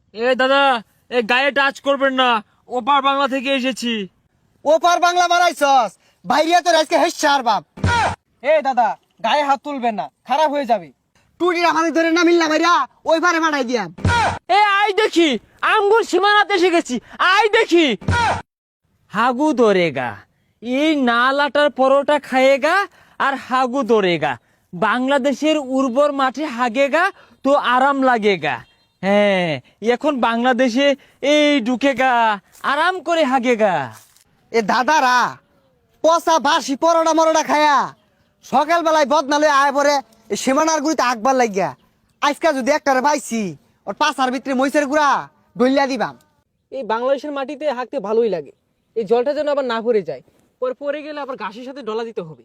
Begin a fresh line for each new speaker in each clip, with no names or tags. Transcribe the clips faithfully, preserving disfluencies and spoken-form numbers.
এ দাদা, এ গায়ে টাচ করবেন না, ওপার বাংলা থেকে এসেছি।
ওপার বাংলা মারাইছস, বাইরিয়া তোর আজকে হেসার বাপ।
এ দাদা, গায়ে হাত তুলবেন না, খারাপ হয়ে যাবে।
টুটির আমাদের ধরে না মিললা মাইরা ওই পারে মারাই দিয়াম।
এ আই দেখি, আঙ্গুর সীমানাতে এসে গেছি, আই দেখি। হাগু ধরেগা, এই নালাটার পরোটা খায়েগা আর হাগু ধরেগা। বাংলাদেশের উর্বর মাঠে হাগেগা তো আরাম লাগেগা। হ্যাঁ, এখন বাংলাদেশে এই ঢুকেগা, আরাম করে হাগেগা।
এ দাদারা পচা বাসি পরোটা মরোটা খায়া সকাল বেলায় বদনালে আয় পরে সীমানার গুড়িতে আকবার লাগিয়া। আজকা যদি একটারে পাইছি ওর পাশার ভিতরে মহিষের গুড়া ডলিয়া দিবাম।
এই বাংলাদেশের মাটিতে হাঁকতে ভালোই লাগে, এই জলটা যেন আবার না পড়ে যায়, পরে পড়ে গেলে আবার ঘাসের সাথে ডলা দিতে হবে।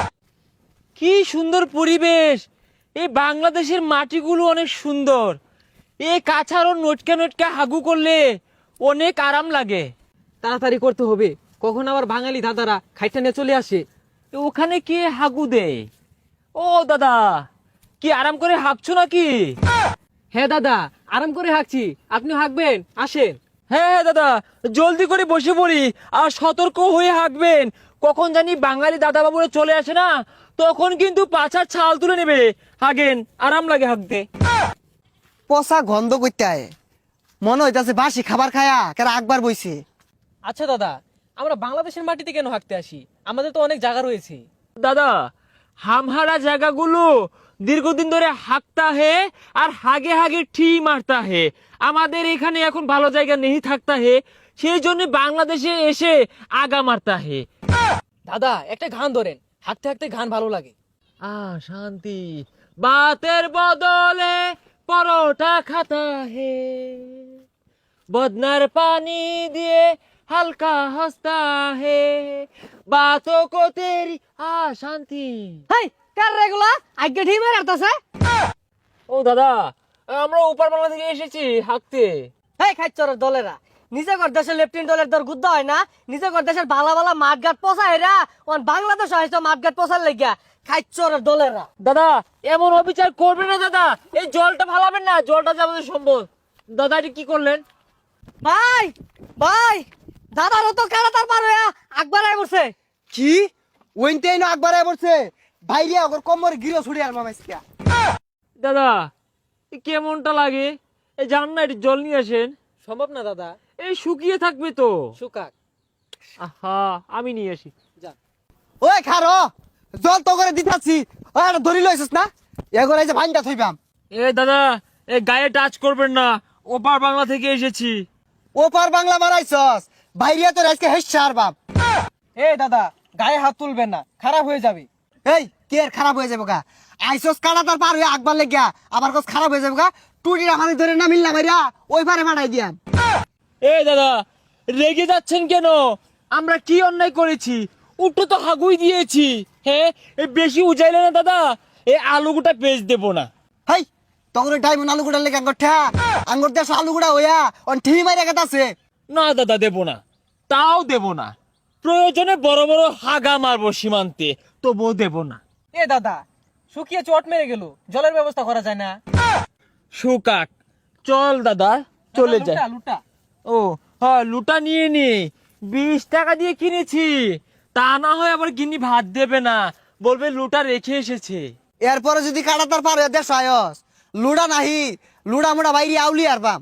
কি সুন্দর পরিবেশ! এই বাংলাদেশের মাটিগুলো অনেক সুন্দর। এই কাছাড়ও নটকা নটকা হাগু করলে অনেক আরাম লাগে।
তাড়াতাড়ি করতে হবে, কখন আবার বাঙালি দাদারা খাইটা নিয়ে চলে আসে।
তো ওখানে কে হাগু দেয়? ও দাদা, কি আরাম করে হাঁকছো নাকি?
হ্যাঁ দাদা, আরাম করে হাঁকছি, আপনি হাঁকবেন, আসেন।
হ্যাঁ হ্যাঁ দাদা, জলদি করে বসে পড়ি আর সতর্ক হয়ে হাঁকবেন। কখন জানি বাঙালি দাদা বাবুরা চলে আসে না, তখন কিন্তু পাছার ছাল তুলে নেবে। হাগেন, আরাম লাগে হাঁকতে।
পচা গন্ধ করতে আয়, মনে হইতাছে বাসি খাবার খায়া কেন আকবার বইছে।
আচ্ছা দাদা, আমরা বাংলাদেশের মাটিতে কেন হাঁকতে আসি? আমাদের তো অনেক জায়গা রয়েছে।
দাদা, হামহারা জায়গাগুলো দীর্ঘদিন ধরে হাঁকতা হে আর হাগে হাগে ঠি মারতা হে। আমাদের এখানে এখন ভালো জায়গা নেই থাকতা হে, সেই জন্য বাংলাদেশে এসে আগা মারতা হে।
দাদা, একটা গান ধরেন, হাঁকতে হাঁকতে গান ভালো লাগে।
আ শান্তি, বাতের বদলে পরোটা খাতা হে, বদনার পানি দিয়ে হালকা হাসতা হে, বাতও কো তেরি। আ শান্তি।
হাই কার রেগুলা আগে ঠিক মেরে আসতেছে।
ও দাদা, আমরা উপর বাংলা থেকে এসেছি হাঁকতে।
হেই খাইচরের দলেরা, নিজে কর দেশের লেফটেন্যান্ট দলের দর গুদ্দা হয় না, নিজে কর দেশের বালা বালা মাঠঘাট পচা এরা ওন বাংলাদেশ হয়তো মাঠঘাট পচার লাগিয়া। খাইচরের দলেরা
দাদা, এমন অবিচার করবেন না দাদা, এই জলটা ফালাবেন না, জলটা যে আমাদের সম্পদ। দাদা, এটা কি করলেন?
ভাই ভাই, দাদারও তো কারাতার পার হইয়া আকবার আই বসে।
কি ওইনতে না আকবার আয় পড়ছে, বাইরিয়া ওর কোমরে গিরো ছুড়ে আর মামাইছিয়া।
দাদা, এ কেমনটা লাগে? এই যান না, একটু জল নিয়ে আসেন।
সম্ভব না দাদা,
এই শুকিয়ে থাকবে তো।
সুকাক।
আহা, আমি নিয়ে আসি।
যা।
ওই খারো, জল তো করে দিতাছি, ওই আর ধরি লইছিস না, এগোর এই যে ভাইনটা থইবাম।
এ দাদা, এ গায়ে টাচ করবেন না, ওপার বাংলা থেকে এসেছি।
ওপার বাংলা মারাইছস, বাইরিয়া তোর আজকে হেসার বাপ।
এ দাদা, গায়ে হাত তুলবেন না, খারাপ হয়ে যাবে।
এই কে আর খারাপ হয়ে যাবো গা? আইসস কানাতার পার হয়ে আকবার লেগিয়া আবার কস খারাপ হয়ে যাবো গা? টুটির আমাদের ধরে না মিললা মাইরা ওই পারে মারাই দিয়াম।
এ দাদা, রেগে যাচ্ছেন কেন? আমরা কি অন্যায় করেছি? উঠো তো হাগুই দিয়েছি। হ্যাঁ, এই বেশি উজাইলে না দাদা, এই আলুগুটা পেজ দেবো না।
হাই তখন টাইম আলু গুড়া লেগে আঙ্গর ঠা আঙ্গর দেশ আলু গুড়া হইয়া অন ঠি মাইরা গেতাছে।
না দাদা, দেবো না, তাও দেবো না। প্রয়োজনে বড় বড় হাগা মারবো সীমান্তে, তবুও দেবো না।
এ দাদা, শুকিয়ে চট মেরে গেল, জলের ব্যবস্থা করা যায় না?
সুকাক, চল দাদা, চলে
দাদা,
যায়।
লুটা, লুটা।
ও হ্যাঁ, লুটা নিয়ে নি, বিশ টাকা দিয়ে কিনেছি। তা না হয় আবার গিনি ভাত দেবে না, বলবে লুটা রেখে এসেছে।
এরপরে যদি কাটাতার পার হয়ে দেশ আয়স লুড়া নাহি লুড়া মুড়া বাইরে আউলি আর বাম।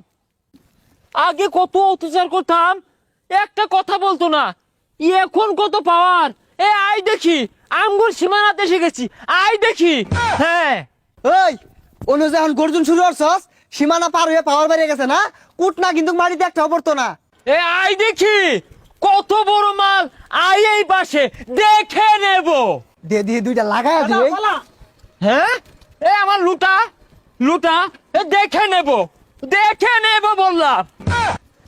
আগে কত অত্যাচার করতাম, একটা কথা বলতো না, এখন কত পাওয়ার। এ আই দেখি, আঙ্গুর সীমানাতে এসে গেছি, আই দেখি। হ্যাঁ,
ওই অনু যখন গর্জন শুরু করছস সীমানা পার হয়ে পাওয়ার বেরিয়ে গেছে না, কুট না কিন্তু মাটিতে একটা পড়তো না।
এ আই দেখি, কত বড় মাল, আই এই পাশে দেখে নেব।
দে দিয়ে দুইটা লাগাই
দাদা,
দিই।
পালা।
হ্যাঁ, এ আমার লুটা, লুটা, এ দেখে নেব, দেখে নেব বললাম।